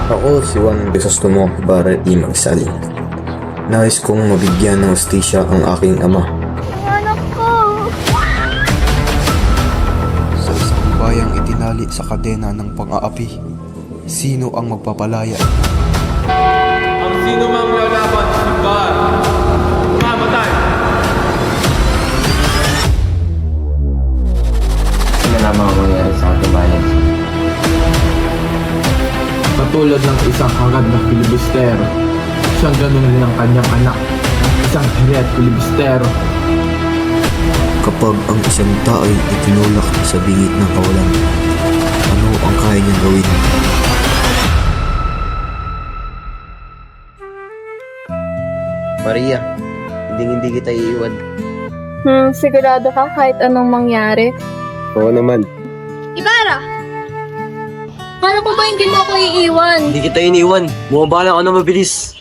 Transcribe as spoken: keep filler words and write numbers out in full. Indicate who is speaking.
Speaker 1: Ako si Juan Crisostomo Ibarra y Magsal. Nais kong mabigyan ng hustisya ang aking ama.
Speaker 2: Anak ko!
Speaker 3: Sa isang bayang itinali sa kadena ng pang-aapi, sino ang magpapalaya?
Speaker 4: Ang sino mang lalaban sa simbahan, mamatay!
Speaker 5: Ano lamang ang mangyari sa ating bayan?
Speaker 4: Katulad ng isang hangad na filibustero, siyang ganun din ang kanyang anak, isang hiret filibustero.
Speaker 1: Kapag ang isang tao'y itinulak sa bingit ng kawalan, ano ang kaya niyang gawin?
Speaker 5: Maria, hindi hindi kita iiwan.
Speaker 2: Hmm, sigurado ka kahit anong mangyari?
Speaker 5: Oo naman.
Speaker 2: Ibarra! Paano ko ba hindi mo ako iiwan?
Speaker 5: Hindi kita iniwan. Bumaba lang ako na mabilis.